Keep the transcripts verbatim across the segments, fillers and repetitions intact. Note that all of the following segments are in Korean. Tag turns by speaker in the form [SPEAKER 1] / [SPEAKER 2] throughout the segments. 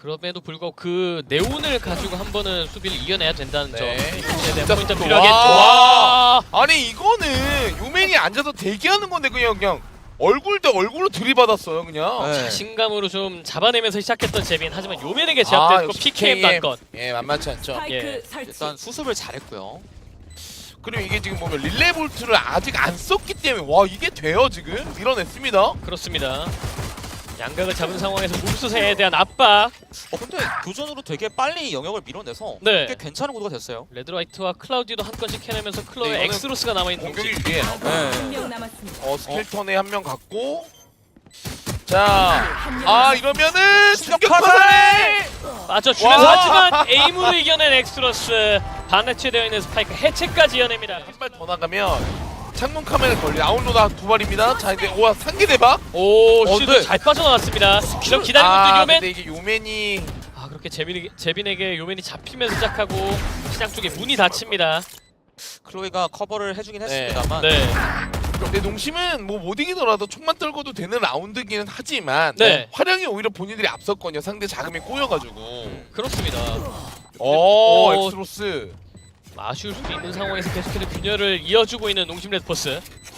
[SPEAKER 1] 그럼에도 불구하고 그 네온을 가지고 한 번은 수비를 이겨내야 된다는 점.
[SPEAKER 2] 네.
[SPEAKER 1] 이에 대한
[SPEAKER 2] 진짜
[SPEAKER 1] 포인트
[SPEAKER 2] 속도.
[SPEAKER 1] 필요하겠죠.
[SPEAKER 2] 와.
[SPEAKER 1] 와.
[SPEAKER 2] 아니 이거는 요맨이 앉아서 대기하는 건데 그냥 그냥 얼굴 대 얼굴로 들이받았어요 그냥.
[SPEAKER 3] 네.
[SPEAKER 1] 자신감으로 좀 잡아내면서 시작했던 재빈. 하지만 요맨에게
[SPEAKER 2] 아,
[SPEAKER 1] 제압됐고
[SPEAKER 2] 역시
[SPEAKER 1] 피케이엠 단건.
[SPEAKER 2] 예 만만치 않죠.
[SPEAKER 1] 예.
[SPEAKER 3] 일단 수습을 잘했고요.
[SPEAKER 2] 그리고 이게 지금 보면 릴레이 볼트를 아직 안 썼기 때문에 와 이게 돼요 지금 밀어냈습니다.
[SPEAKER 1] 그렇습니다. 양각을 잡은 상황에서 mov스에 대한 압박.
[SPEAKER 3] 어 근데 교전으로 되게 빨리 영역을 밀어내서
[SPEAKER 1] 네.
[SPEAKER 3] 꽤 괜찮은 구도가 됐어요.
[SPEAKER 1] 레드라이트와 클라우디도 한 건씩 해내면서 클로의
[SPEAKER 2] 네, 이거는
[SPEAKER 1] 엑스로스가 남아있는
[SPEAKER 2] 공격이
[SPEAKER 1] 동시.
[SPEAKER 2] 위에
[SPEAKER 3] 네.
[SPEAKER 4] 한명 남았습니다.
[SPEAKER 2] 어 스켈턴에 한 명 갔고 자 아 이러면은 충격 파산에
[SPEAKER 1] 빠져주면서
[SPEAKER 2] 와.
[SPEAKER 1] 하지만 에임으로 이겨낸 엑스로스. 반해체되어 있는 스파이크 해체까지 이어냅니다.
[SPEAKER 2] 한 발 더 나가면 창문 카메라 걸리 아웃로드 두 발입니다. 자 이제 와 상계 대박.
[SPEAKER 1] 오,
[SPEAKER 3] 어,
[SPEAKER 1] 슈도
[SPEAKER 3] 네.
[SPEAKER 1] 잘 빠져나왔습니다. 이런 기다리고
[SPEAKER 2] 아
[SPEAKER 1] 있던 요맨.
[SPEAKER 2] 근데 이게 요맨이
[SPEAKER 1] 아 그렇게 재빈이, 재빈에게 요맨이 잡히면서 시작하고 시장 쪽에 문이 닫힙니다.
[SPEAKER 3] 클로이가 커버를 해주긴
[SPEAKER 2] 네.
[SPEAKER 3] 했습니다만
[SPEAKER 1] 네,
[SPEAKER 2] 근데 농심은 뭐 못 이기더라도 총만 떨고도 되는 라운드기는 하지만
[SPEAKER 1] 네.
[SPEAKER 2] 화력이 오히려 본인들이 앞섰거든요. 상대 자금이 꼬여가지고.
[SPEAKER 1] 그렇습니다.
[SPEAKER 2] 오,
[SPEAKER 1] 어,
[SPEAKER 2] 엑스로스.
[SPEAKER 1] 아쉬울 수도 있는 상황에서 계속해서 균열을 이어주고 있는 농심 레드포스.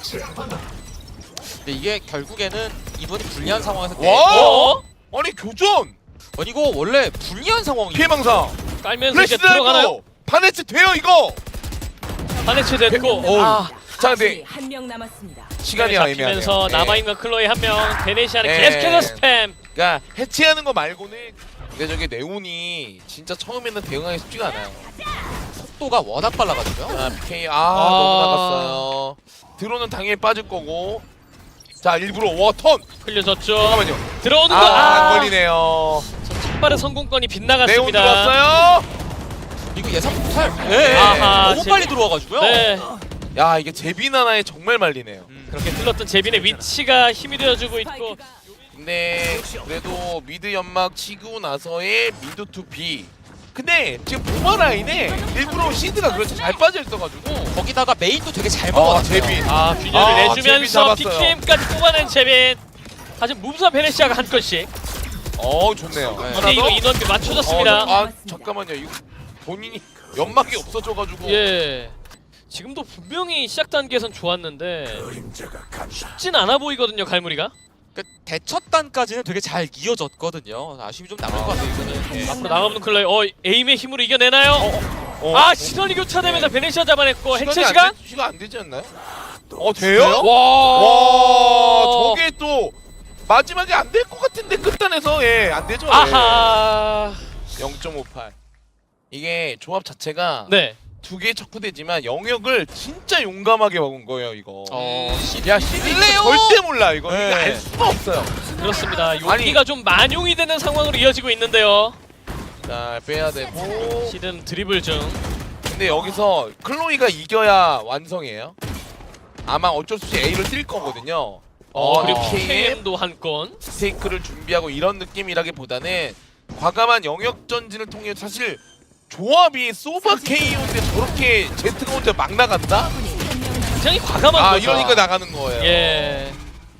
[SPEAKER 3] 근데 이게 결국에는 이번이 불리한 상황에서
[SPEAKER 2] 와!
[SPEAKER 1] 어?
[SPEAKER 2] 아니 교전!
[SPEAKER 3] 아니 이거 원래 불리한 상황이
[SPEAKER 2] 피해망상!
[SPEAKER 1] 깔면서 이제
[SPEAKER 2] 플래시
[SPEAKER 1] 들어가나요?
[SPEAKER 2] 들어가나요? 반해치 돼요 이거!
[SPEAKER 1] 반해체 됐고
[SPEAKER 2] 어우.
[SPEAKER 1] 아,
[SPEAKER 2] 자 근데
[SPEAKER 4] 한명 남았습니다.
[SPEAKER 2] 시간이 애매하네요.
[SPEAKER 1] 잡히면서
[SPEAKER 2] 예.
[SPEAKER 1] 남아있는 클로이 한 명. 베네시아는
[SPEAKER 2] 예.
[SPEAKER 1] 계속해서 스팸.
[SPEAKER 2] 그러니까 해체하는 거 말고는 근데 저게 네온이 진짜 처음에는 대응하기 쉽지가 않아요.
[SPEAKER 3] 속도가 워낙 빨라가지고요.
[SPEAKER 2] 아 피케이 아, 너무 나갔어요. 드론은 당연히 빠질 거고 자 일부러 워턴!
[SPEAKER 1] 흘려졌죠.
[SPEAKER 2] 잠깐만요.
[SPEAKER 1] 들어오는 거.
[SPEAKER 2] 아, 안
[SPEAKER 1] 아,
[SPEAKER 2] 걸리네요.
[SPEAKER 1] 첫 발의 성공권이
[SPEAKER 2] 네온
[SPEAKER 1] 빗나갔습니다.
[SPEAKER 2] 들어왔어요.
[SPEAKER 3] 이거 예상 못할. 네.
[SPEAKER 1] 아하,
[SPEAKER 3] 너무
[SPEAKER 1] 제-
[SPEAKER 3] 빨리 들어와가지고요.
[SPEAKER 1] 네.
[SPEAKER 2] 야 이게 제빈 하나에 정말 말리네요.
[SPEAKER 3] 음.
[SPEAKER 1] 그렇게 흘렀던 제빈의 위치가 힘이 되어주고 있고
[SPEAKER 4] 스파이크가
[SPEAKER 2] 근데 그래도 미드 연막 치고 나서의 미드 투 B. 근데 지금 보마 라인에 일부러 시드가 그렇게 잘 빠져 있어가지고
[SPEAKER 3] 거기다가 메인도 되게 잘
[SPEAKER 2] 아
[SPEAKER 3] 먹어놨어요.
[SPEAKER 2] 제빈
[SPEAKER 1] 아 균열을
[SPEAKER 2] 아, 제빈
[SPEAKER 1] 내주면서
[SPEAKER 2] 잡았어요.
[SPEAKER 1] 피케이엠까지 뽑아낸 제빈. 하지만 무브와 베네시아가 한 건씩.
[SPEAKER 2] 어 좋네요.
[SPEAKER 3] 네.
[SPEAKER 2] 하나
[SPEAKER 1] 근데 이거
[SPEAKER 2] 더?
[SPEAKER 1] 인원비
[SPEAKER 2] 어,
[SPEAKER 1] 맞춰졌습니다.
[SPEAKER 2] 아 잠깐만요. 이거 본인이 연막이 없어져가지고
[SPEAKER 1] 예. 지금도 분명히 시작 단계에선 좋았는데 쉽진 않아 보이거든요, 갈무리가.
[SPEAKER 3] 그러니까 대처단까지는 되게 잘 이어졌거든요. 아쉬움이 좀 남을 것 같아요. 이거는.
[SPEAKER 2] 네.
[SPEAKER 1] 앞으로 나가보는 클로이. 어, 에임의 힘으로 이겨내나요?
[SPEAKER 2] 어,
[SPEAKER 1] 아, 시선이 교차되면서 베네시아 잡아냈고
[SPEAKER 2] 시간이
[SPEAKER 1] 해체
[SPEAKER 2] 안
[SPEAKER 1] 시간?
[SPEAKER 2] 되, 시간 안 되지 않나요? 어 돼요?
[SPEAKER 1] 와,
[SPEAKER 2] 와 저게 또 마지막에 안 될 것 같은데 끝단에서 예 안 되죠. 예.
[SPEAKER 1] 아하.
[SPEAKER 2] 영 점 오팔. 이게 조합 자체가
[SPEAKER 1] 네.
[SPEAKER 2] 두 개의 척후되지만 영역을 진짜 용감하게 먹은 거예요 이거.
[SPEAKER 3] 어, 시-
[SPEAKER 2] 야 시드 이거
[SPEAKER 3] 실례요?
[SPEAKER 2] 절대 몰라 이거.
[SPEAKER 3] 네.
[SPEAKER 2] 이거 알 수가 없어요.
[SPEAKER 1] 그렇습니다. 용기가 좀 만용이 되는 상황으로 이어지고 있는데요.
[SPEAKER 2] 자 빼야 되고.
[SPEAKER 1] 시든 드리블 중.
[SPEAKER 2] 근데 여기서 클로이가 이겨야 완성이에요. 아마 어쩔 수 없이 A를 뛸 거거든요.
[SPEAKER 1] 어, 그리고
[SPEAKER 2] 케이엠
[SPEAKER 1] 케이엠도 한 건.
[SPEAKER 2] 스테이크를 준비하고 이런 느낌이라기보다는 과감한 영역 전진을 통해 사실 조합이 소바 케이오인데 저렇게 제트가 혼자 막 나간다?
[SPEAKER 1] 굉장히 과감한
[SPEAKER 2] 아
[SPEAKER 1] 거죠.
[SPEAKER 2] 이러니까 나가는 거예요.
[SPEAKER 1] 예.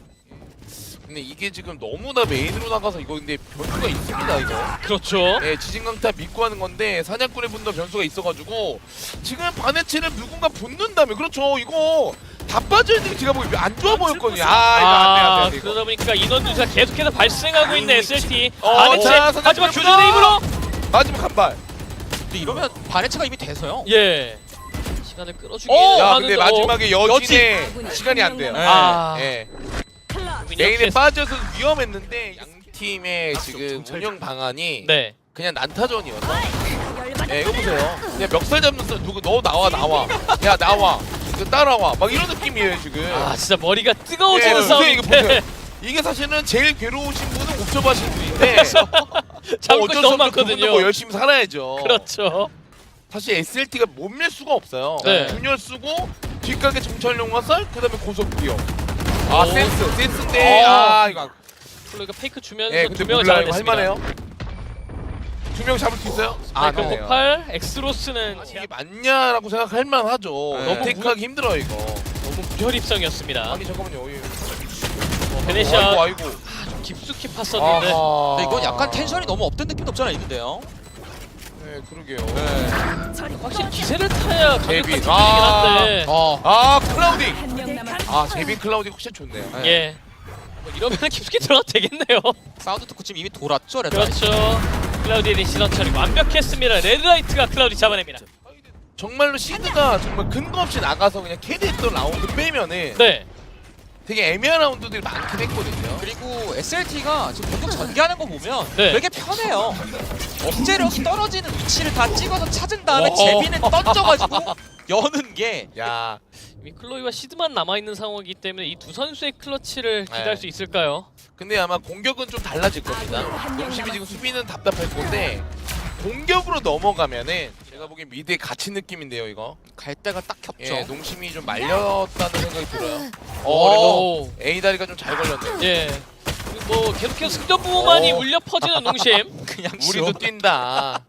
[SPEAKER 2] 근데 이게 지금 너무나 메인으로 나가서 이거 근데 변수가 있습니다 이거.
[SPEAKER 1] 그렇죠.
[SPEAKER 2] 예, 지진강타 믿고 하는 건데 사냥꾼의 분도 변수가 있어가지고 지금 반해체를 누군가 붙는다면 그렇죠 이거 다 빠져있는 게 제가 보기 안 좋아 보였거든요. 아 이거 안돼
[SPEAKER 1] 아,
[SPEAKER 2] 안돼 이거.
[SPEAKER 1] 그러다 보니까 인원 누수가 계속해서 발생하고 있는 에스엘티.
[SPEAKER 2] 어,
[SPEAKER 1] 반해체.
[SPEAKER 2] 자, 사냥꾼
[SPEAKER 1] 하지만
[SPEAKER 2] 분다!
[SPEAKER 1] 교전의 힘으로.
[SPEAKER 2] 마지막 한발.
[SPEAKER 3] 근데 이러면 반해체가 이미 돼서요.
[SPEAKER 1] 예. 시간을 끌어주기
[SPEAKER 3] 어,
[SPEAKER 2] 야
[SPEAKER 1] 하는데
[SPEAKER 2] 근데 마지막에 여진에
[SPEAKER 4] 여진.
[SPEAKER 2] 시간이 안 돼요.
[SPEAKER 3] 네.
[SPEAKER 1] 아.
[SPEAKER 2] 예.
[SPEAKER 4] 클럽
[SPEAKER 2] 메인에
[SPEAKER 1] 이렇게-
[SPEAKER 2] 빠져서 위험했는데 양 팀의 지금 운영 방안이
[SPEAKER 1] 네.
[SPEAKER 2] 그냥 난타전이어서. 예, 이거 보세요. 그냥 멱살 잡는 사 누구 너 나와 나와. 야 나와. 이거 따라와. 막 이런 느낌이에요 지금.
[SPEAKER 1] 아 진짜 머리가
[SPEAKER 2] 예,
[SPEAKER 1] 뜨거워지는
[SPEAKER 2] 보세요, 이거
[SPEAKER 1] 싸움인데
[SPEAKER 2] 보세요. 이게 사실은 제일 괴로우신 분은 옵저버하신 분인데
[SPEAKER 1] 잡을
[SPEAKER 2] 뭐
[SPEAKER 1] 것이
[SPEAKER 2] 어쩔 수
[SPEAKER 1] 너무
[SPEAKER 2] 없죠.
[SPEAKER 1] 많거든요.
[SPEAKER 2] 그분도 뭐 열심히 살아야죠.
[SPEAKER 1] 그렇죠.
[SPEAKER 2] 사실 에스엘티가 못 밀 수가 없어요.
[SPEAKER 1] 네.
[SPEAKER 2] 균열 쓰고 뒷가게 정찰용 화살 그다음에 고속 비용. 아
[SPEAKER 1] 오.
[SPEAKER 2] 센스 센스인데
[SPEAKER 1] 어.
[SPEAKER 2] 아 이거
[SPEAKER 1] 플로이가 페이크 주면서
[SPEAKER 2] 예
[SPEAKER 1] 두
[SPEAKER 2] 근데
[SPEAKER 1] 명을
[SPEAKER 2] 몰라 이거
[SPEAKER 1] 잡아냈습니다.
[SPEAKER 2] 할만해요. 두 명 잡을 수 있어요? 아
[SPEAKER 1] 스파이크
[SPEAKER 2] 그러네요.
[SPEAKER 1] 폭발, 엑스로스는
[SPEAKER 2] 아니, 이게
[SPEAKER 1] 제압-
[SPEAKER 2] 맞냐라고 생각할 만하죠.
[SPEAKER 3] 네.
[SPEAKER 2] 너무 테이크하기 힘들어 이거.
[SPEAKER 1] 너무 무혈 입성이었습니다.
[SPEAKER 2] 아니 잠깐만요. 예.
[SPEAKER 1] 베네시아
[SPEAKER 2] 아이고 아이고.
[SPEAKER 1] 깊숙이 팠었는데
[SPEAKER 2] 아하.
[SPEAKER 3] 근데 이건 약간 텐션이 너무 업된 느낌도 없잖아 있는데요.
[SPEAKER 2] 네, 그러게요.
[SPEAKER 3] 네.
[SPEAKER 1] 확실히 기세를 타야 강력한
[SPEAKER 2] 제빈.
[SPEAKER 1] 팀이긴
[SPEAKER 2] 아.
[SPEAKER 1] 한데
[SPEAKER 3] 어.
[SPEAKER 2] 아, 클라우디.
[SPEAKER 4] 한명 남았습니다.
[SPEAKER 2] 아, 제빈 클라우디 확실히 좋네요.
[SPEAKER 3] 네.
[SPEAKER 1] 예. 뭐 이러면 깊숙이 들어가도 되겠네요.
[SPEAKER 3] 사운드 듣고 지금 이미 돌았죠 레드라이트.
[SPEAKER 1] 그렇죠. 클라우디의 시선 처리 완벽했습니다. 레드라이트가 클라우디 잡아냅니다.
[SPEAKER 2] 정말로 시드가 정말 근거 없이 나가서 그냥 캐리했던 라운드 빼면은
[SPEAKER 1] 네.
[SPEAKER 2] 되게 애매한 라운드들이 많긴 했거든요.
[SPEAKER 3] 그리고 에스엘티가 지금 공격 전개하는 거 보면
[SPEAKER 1] 네.
[SPEAKER 3] 되게 편해요. 억제력이 떨어지는 위치를 다 찍어서 찾은 다음에
[SPEAKER 2] 오.
[SPEAKER 3] 제비는 던져가지고 여는 게
[SPEAKER 2] 야,
[SPEAKER 1] 이미 클로이와 시드만 남아있는 상황이기 때문에 이 두 선수의 클러치를 기대할
[SPEAKER 2] 네.
[SPEAKER 1] 수 있을까요?
[SPEAKER 2] 근데 아마 공격은 좀 달라질 겁니다. 농심이 지금 수비는 답답할 건데 공격으로 넘어가면은 제가 보기엔 미드에 갇힌 느낌인데요, 이거.
[SPEAKER 3] 갈 데가 딱 겹쳐.
[SPEAKER 2] 예, 농심이 좀 말렸다는 생각이 들어요. 어,
[SPEAKER 1] 오.
[SPEAKER 2] 그래도 A 다리가 좀 잘 걸렸네요.
[SPEAKER 1] 예. 뭐 계속해서 승전부만이
[SPEAKER 2] 오.
[SPEAKER 1] 울려 퍼지는 농심.
[SPEAKER 3] 그냥
[SPEAKER 2] 우리도 뛴다.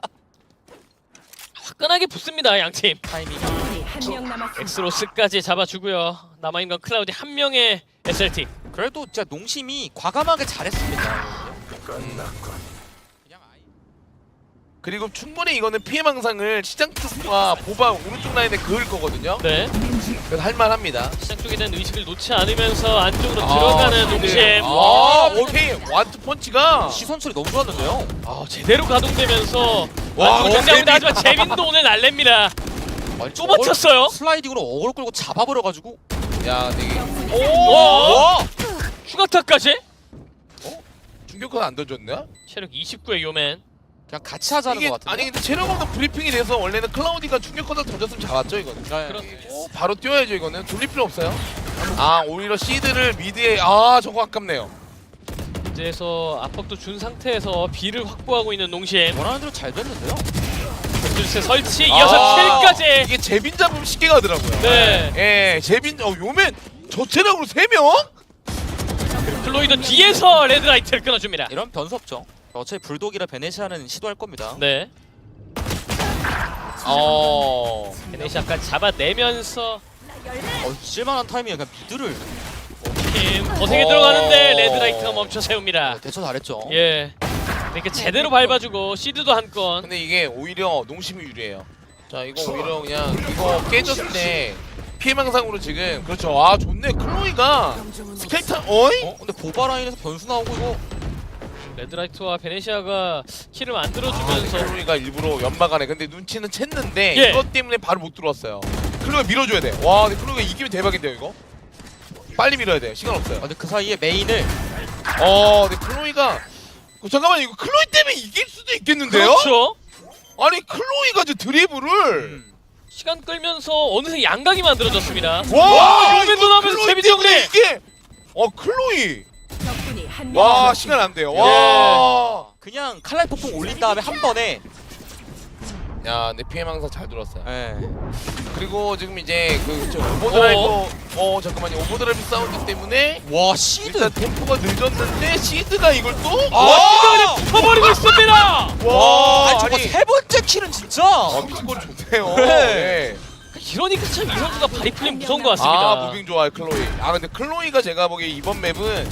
[SPEAKER 1] 화끈하게 붙습니다 양팀.
[SPEAKER 3] 타이밍.
[SPEAKER 4] 한명 남았습니다.
[SPEAKER 1] 엑스로스까지 잡아주고요. 남아있는 건 클라우디 한 명의 에스엘티.
[SPEAKER 3] 그래도 진짜 농심이 과감하게 잘했습니다. 그냥 아예
[SPEAKER 2] 그리고 충분히 이거는 피해 망상을 시장 쪽과 보바 오른쪽 라인에 그을 거거든요.
[SPEAKER 1] 네.
[SPEAKER 2] 그래서 할만합니다.
[SPEAKER 1] 시장 쪽에 대한 의식을 놓지 않으면서 안쪽으로
[SPEAKER 2] 아,
[SPEAKER 1] 들어가는 농심.
[SPEAKER 2] 네.
[SPEAKER 3] 아,
[SPEAKER 2] 아, 오케이. 완투 펀치가
[SPEAKER 3] 시선 소리 너무 좋았는데요.
[SPEAKER 1] 아, 제대로 가동되면서
[SPEAKER 2] 와,
[SPEAKER 1] 안쪽으로
[SPEAKER 2] 어,
[SPEAKER 1] 정리합니다.
[SPEAKER 2] 재빈.
[SPEAKER 1] 하지만 제빈도 오늘 날랩니다.
[SPEAKER 3] 아니,
[SPEAKER 1] 또 버텼어요.
[SPEAKER 3] 슬라이딩으로 어그로 끌고 잡아버려가지고.
[SPEAKER 2] 야, 되게
[SPEAKER 1] 오!
[SPEAKER 3] 와!
[SPEAKER 1] 추가타까지?
[SPEAKER 2] 충격은 안 던졌나?
[SPEAKER 1] 체력 이십구의 요맨.
[SPEAKER 3] 그냥 같이 하자는
[SPEAKER 2] 이게
[SPEAKER 3] 것 같은데.
[SPEAKER 2] 아니 근데 체력 없는 브리핑이 돼서 원래는 클라우디가 충격 커서 던졌으면 잡았죠 이거는.
[SPEAKER 3] 네.
[SPEAKER 1] 그렇네요.
[SPEAKER 2] 어, 바로 뛰어야죠 이거는. 돌릴 필요 없어요. 아 오히려 시드를 미드에 아 저거 아깝네요.
[SPEAKER 1] 이제서 압박도 준 상태에서 B를 확보하고 있는 농심.
[SPEAKER 3] 원하는 대로 잘 됐는데요.
[SPEAKER 1] 엑스로스 설치 이어서
[SPEAKER 2] 아,
[SPEAKER 1] 킬까지.
[SPEAKER 2] 이게 제빈 잡으면 쉽게 가더라고요.
[SPEAKER 1] 네.
[SPEAKER 2] 예, 제빈 어 요맨 저 체력으로 세 명?
[SPEAKER 1] 클로이도 뒤에서 레드라이트를 끊어줍니다.
[SPEAKER 3] 이런 변수 없죠. 어차피 불독이라 베네시아는 시도할 겁니다.
[SPEAKER 1] 네.
[SPEAKER 2] 어.
[SPEAKER 1] 베네시아까지 잡아내면서
[SPEAKER 3] 어, 쓸만한 타이밍에 그냥 미드를
[SPEAKER 1] 팀 거세게
[SPEAKER 2] 어.
[SPEAKER 1] 들어가는데 레드라이트가 멈춰 세웁니다.
[SPEAKER 3] 어, 대처 잘했죠.
[SPEAKER 1] 예. 이렇게 제대로 밟아주고 시드도 한 건.
[SPEAKER 2] 근데 이게 오히려 농심이 유리해요. 자 이거 오히려 그냥 이거 깨졌을 때 피해망상으로 지금 그렇죠. 아 좋네 클로이가 스켈탄 어이?
[SPEAKER 3] 어? 근데 보바 라인에서 변수 나오고 이거
[SPEAKER 1] 레드라이트와 베네시아가 킬을
[SPEAKER 2] 아,
[SPEAKER 1] 만들어주면서
[SPEAKER 2] 클로이가 일부러 연막 안에 근데 눈치는 챘는데
[SPEAKER 1] 예.
[SPEAKER 2] 이것 때문에 바로 못 들어왔어요. 클로이가 밀어줘야 돼. 와 근데 클로이가 이기면 대박인데요 이거? 빨리 밀어야 돼. 시간 없어요.
[SPEAKER 3] 아, 근데 그 사이에 메인을
[SPEAKER 2] 어 근데 클로이가 어, 잠깐만 이거 클로이 때문에 이길 수도 있겠는데요?
[SPEAKER 1] 그렇죠.
[SPEAKER 2] 아니 클로이가 저 드리블을
[SPEAKER 3] 음.
[SPEAKER 1] 시간 끌면서 어느새 양각이 만들어졌습니다.
[SPEAKER 2] 와
[SPEAKER 1] 요맨도
[SPEAKER 2] 이거
[SPEAKER 1] 나오면서
[SPEAKER 2] 클로이
[SPEAKER 1] 제비
[SPEAKER 2] 때문에
[SPEAKER 1] 정리!
[SPEAKER 2] 이게 어 클로이
[SPEAKER 4] 적군이 한명
[SPEAKER 2] 와
[SPEAKER 4] 남았습니다.
[SPEAKER 2] 시간 안 돼요. 와.
[SPEAKER 3] 그냥 칼날 폭풍 올린 다음에 한 번에
[SPEAKER 2] 야, 근데 피해망사 잘 들었어요.
[SPEAKER 3] 예.
[SPEAKER 2] 그리고 지금 이제 그 그쵸, 오버드라이브 어, 어 잠깐만요. 오버드라이브 사운드 때문에
[SPEAKER 3] 와 시드
[SPEAKER 2] 일단 템포가 늦었는데 시드가 이걸 또
[SPEAKER 1] 와, 그냥 붙어버리고 있습니다.
[SPEAKER 2] 와,
[SPEAKER 3] 아니 저거
[SPEAKER 2] 아니,
[SPEAKER 3] 세 번째 킬은 진짜
[SPEAKER 2] 아, 미스골 좋네요.
[SPEAKER 3] 네.
[SPEAKER 2] 네.
[SPEAKER 1] 이러니까 참 이 선수가 발이 풀리면 무서운 것 같습니다.
[SPEAKER 2] 아, 무빙 좋아요, 클로이. 아, 근데 클로이가 제가 보기에 이번 맵은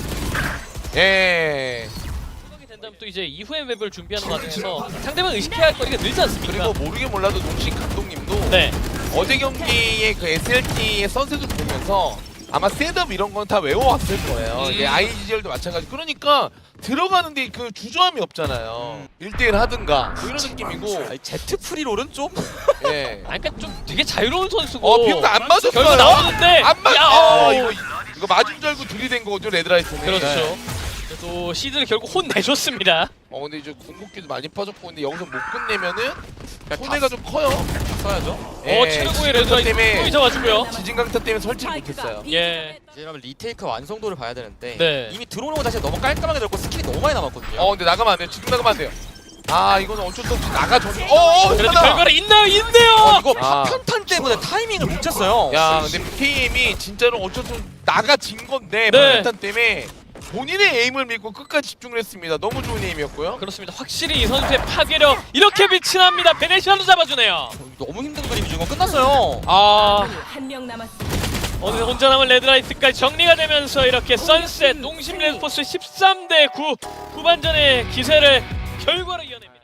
[SPEAKER 2] 예.
[SPEAKER 1] 생각이 된다면 또 이제 이후의 맵을 준비하는 과정에서 상대방 의식해야 할 거리가 늘지 않습니까?
[SPEAKER 2] 그리고 모르게 몰라도 농식 감독님도
[SPEAKER 1] 네.
[SPEAKER 2] 어제 경기의 그 에스엘티의 선셋을 보면서 아마 셋업 이런 건 다 외워왔을 거예요.
[SPEAKER 1] 음.
[SPEAKER 2] 이게 아이지젤도 마찬가지. 그러니까 들어가는데 그 주저함이 없잖아요. 일 대일 하든가 뭐 이런 느낌이고.
[SPEAKER 3] 아니, 제트 프리롤은 좀
[SPEAKER 2] 예.
[SPEAKER 1] 아, 그러니까 좀 되게 자유로운 선수고.
[SPEAKER 2] 어, 비용도 안 맞았어요.
[SPEAKER 1] 결국 나오는데.
[SPEAKER 2] 안 맞.
[SPEAKER 1] 야,
[SPEAKER 2] 아,
[SPEAKER 1] 어.
[SPEAKER 2] 이거 이거 맞은 줄 알고 들이댄 거죠 레드라이트는.
[SPEAKER 1] 그렇죠.
[SPEAKER 2] 네.
[SPEAKER 1] 또 시드를 결국 혼내줬습니다.
[SPEAKER 2] 어 근데 이제 궁극기도 많이 빠졌고 근데 여기서 못 끝내면은
[SPEAKER 3] 그냥
[SPEAKER 2] 손해가 좀 커요.
[SPEAKER 3] 써야죠.
[SPEAKER 1] 어,
[SPEAKER 2] 예,
[SPEAKER 1] 최고의
[SPEAKER 2] 지진강타
[SPEAKER 1] 레드라이트
[SPEAKER 2] 때문에
[SPEAKER 1] 또 잡아주고요.
[SPEAKER 2] 지진강타 때문에 설치를 못했어요.
[SPEAKER 1] 예.
[SPEAKER 3] 이제 이러면 리테이크 완성도를 봐야 되는데
[SPEAKER 1] 네.
[SPEAKER 3] 이미 들어오는 거 자체가 너무 깔끔하게 들었고 스킬이 너무 많이 남았거든요.
[SPEAKER 2] 어 근데 나가면 안 돼요. 지금 나가면 안 돼요. 아 이거는 어쩔 수 없이 나가줘. 어어
[SPEAKER 1] 그래도
[SPEAKER 2] 하나.
[SPEAKER 1] 결과는 있나요? 있네요.
[SPEAKER 3] 어, 이거
[SPEAKER 2] 아.
[SPEAKER 3] 파편탄 때문에 타이밍을 못 쳤어요.
[SPEAKER 2] 야 근데 피케이엠이 진짜로 어쩔 수 없이 나가진 건데
[SPEAKER 1] 네.
[SPEAKER 2] 방탄 때문에 본인의 에임을 믿고 끝까지 집중을 했습니다. 너무 좋은 에임이었고요.
[SPEAKER 1] 그렇습니다. 확실히 이 선수의 파괴력 이렇게 빛이 납니다. 베네시아도 잡아주네요.
[SPEAKER 3] 너무 힘든 그림이 지금 끝났어요.
[SPEAKER 1] 아,
[SPEAKER 4] 한명 남았습니다.
[SPEAKER 1] 어느새 혼자 남은 레드라이트까지 정리가 되면서 이렇게 선셋 농심 레드포스 십삼 대 구 후반전의 기세를 결과로 이어냅니다.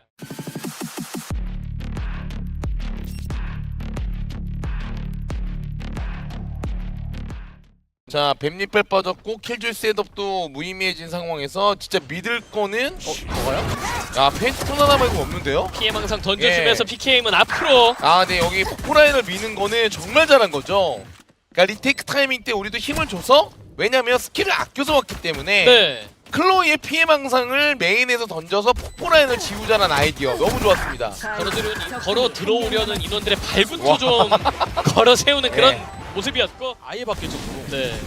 [SPEAKER 2] 자, 뱀잎발 빠졌고 킬줄 셋업도 무의미해진 상황에서 진짜 믿을 거는 어, 저거요? 야, 페인트 톤 하나 말고 없는데요?
[SPEAKER 1] 피엠 항상 던져주면서
[SPEAKER 2] 예.
[SPEAKER 1] 피케이엠은 앞으로
[SPEAKER 2] 아, 네, 여기 폭포라인을 미는 거는 정말 잘한 거죠. 그러니까 리테이크 타이밍 때 우리도 힘을 줘서, 왜냐면 스킬을 아껴서 왔기 때문에
[SPEAKER 1] 네.
[SPEAKER 2] 클로이의 피엠 항상을 메인에서 던져서 폭포라인을 지우자는 아이디어 너무 좋았습니다.
[SPEAKER 1] 걸어 들어오는 걸어 들어오려는 인원들의 발군도 좀 걸어 세우는 그런
[SPEAKER 2] 네.
[SPEAKER 1] 모습이었고,
[SPEAKER 3] 아예 바뀌었고
[SPEAKER 1] 네.